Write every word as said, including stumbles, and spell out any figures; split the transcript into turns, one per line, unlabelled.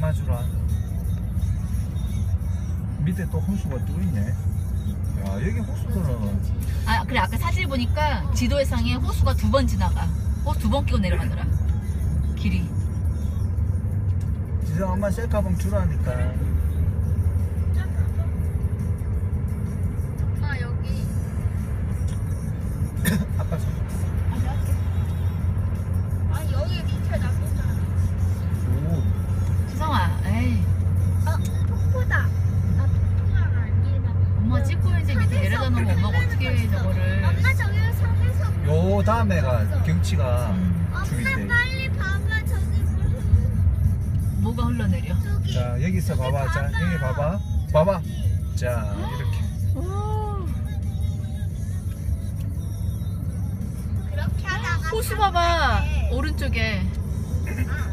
주라. 밑에 또 호수가 또 있네. 야, 여기 호수들은.
아 그래 아까 사진 보니까 지도상에 호수가 두 번 지나가. 호수 두 번 끼고 내려가더라. 길이.
지성 엄마 셀카봉 주라니까.
아 여기.
아빠 손.
아 내가 할게.
아 여기 밑에 나쁘잖아.
오.
지성아 에이
아 폭포다. 아 폭포가 아니라.
엄마 찍고 이제 밑에 내려다 놓으면 엄마가 어떻게 해 저거를.
엄마 저기 산에서.
요 다음에가 경치가
음.
죽일
엄마
때.
빨리 봐봐 저기
뭐가 흘러내려.
저기.
자, 여기서 봐봐. 자, 여기 봐봐. 봐봐. 자, 이렇게.
오.
그렇게 하다가.
호수 봐봐
산에
오른쪽에.
아,